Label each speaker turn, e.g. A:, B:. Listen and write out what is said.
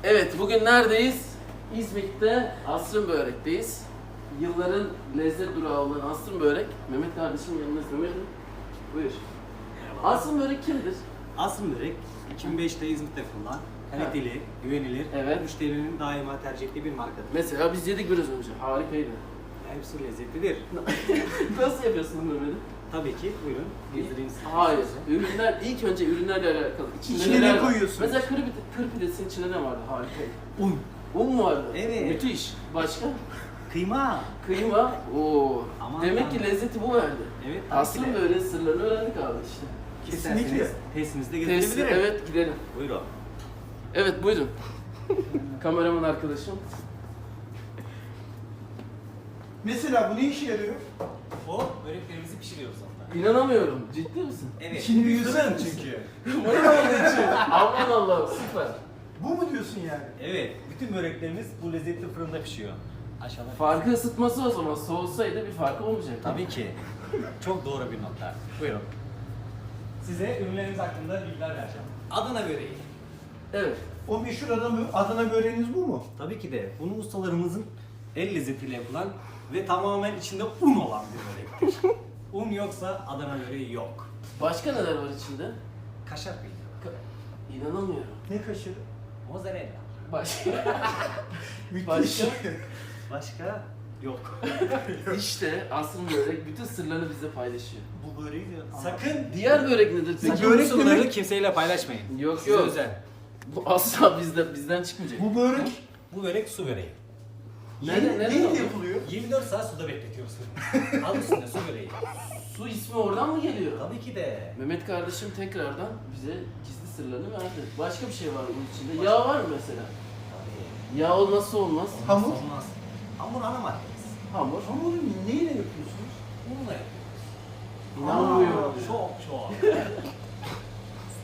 A: Evet, bugün neredeyiz? İzmit'te Asrın Börek'teyiz. Yılların lezzet durağı olan Asrın Börek. Mehmet kardeşim yanınızda. Mehmet'im, buyur. Asrın Börek kimdir?
B: Asrın Börek 2005'te İzmit'te kurulan, kaliteli, güvenilir,
A: Evet.
B: müşterinin daima tercih ettiği bir markadır.
A: Mesela biz yedik biraz önce. Harikaydı.
B: Hepsi lezzetlidir.
A: Nasıl yapıyorsun Mehmet'im?
B: Tabii ki, buyurun. Gezdireyim sizi.
A: Hayır. Ürünler, ilk önce ürünlerle alakalı.
C: İçine ne
A: neler var?
C: koyuyorsun?
A: Mesela kır pidesinin içinde ne vardı? Harikaydı.
B: Un,
A: Un mu vardı?
B: Evet.
A: Müthiş. Başka?
B: kıyma.
A: Kıyma. Oo.
B: Aman
A: Demek
B: aman.
A: ki lezzeti bu verdi.
B: Evet, tabii
A: Asrın
B: ki de.
A: Börek'in sırlarını öğrendik abi işte.
C: Kesinlikle.
B: İsterseniz testimizde
A: Testi,
B: gezdirebilirim.
A: evet gidelim.
B: Buyurun.
A: Evet buyurun. Kameraman arkadaşım.
C: Mesela bu ne işe yarıyor?
B: O böreklerimizi pişiriyoruz onda.
A: İnanamıyorum. Ciddi misin?
B: Evet.
C: Şimdi bir yüzden çünkü.
A: Bana olduğu için. Aman Allah'ım süper.
C: Bu mu diyorsun yani?
B: Evet, bütün böreklerimiz bu lezzetli fırında pişiyor. Aşağıda.
A: Farkı ısıtması o zaman. Soğusaydı bir farkı olmayacak.
B: Tabii ki. Çok doğru bir nokta. Buyurun. Size ürünlerimiz hakkında bilgiler vereceğim. Adana böreği.
A: Evet.
C: O meşhur Adana böreğiniz bu mu?
B: Tabii ki de. Bunu ustalarımızın el lezzetiyle yapılan ve tamamen içinde un olan bir börektir. Un yoksa Adana böreği yok.
A: Başka neler var içinde?
B: Kaşar peyniri.
A: İnanamıyorum.
C: Ne kaşarı?
B: Mozzarella.
A: Başka?
C: Müthiş.
A: Başka?
B: Başka yok.
A: İşte Asrın Börek bütün sırlarını bize paylaşıyor.
C: Bu böreği de...
B: Sakın
A: Diğer börek nedir peki?
B: sakın bu
C: börek
B: sırları
C: demek-
B: kimseyle paylaşmayın.
A: Yok,
B: Size
A: yok.
B: özel.
A: Bu asla bizden çıkmayacak.
C: Bu börek
B: Bu börek su böreği.
A: Nerede
C: neyle
A: alıyor?
C: yapılıyor?
B: 24 saat suda bekletiyoruz. Adı üstünde su böreği.
A: Su ismi oradan mı geliyor?
B: Tabii ki de.
A: Mehmet kardeşim tekrardan bize gizli sırlarını verdi. Başka bir şey var bunun içinde. Yağ var mı mesela?
B: Tabii.
A: Yağ olmazsa olmaz.
C: Hamur?
B: Olmaz. Hamur ana maddemiz.
A: Hamur.
C: Hamuru neyle yapıyorsunuz?
B: Unla yapıyoruz.
A: İnanmıyorum.
B: Çok çok.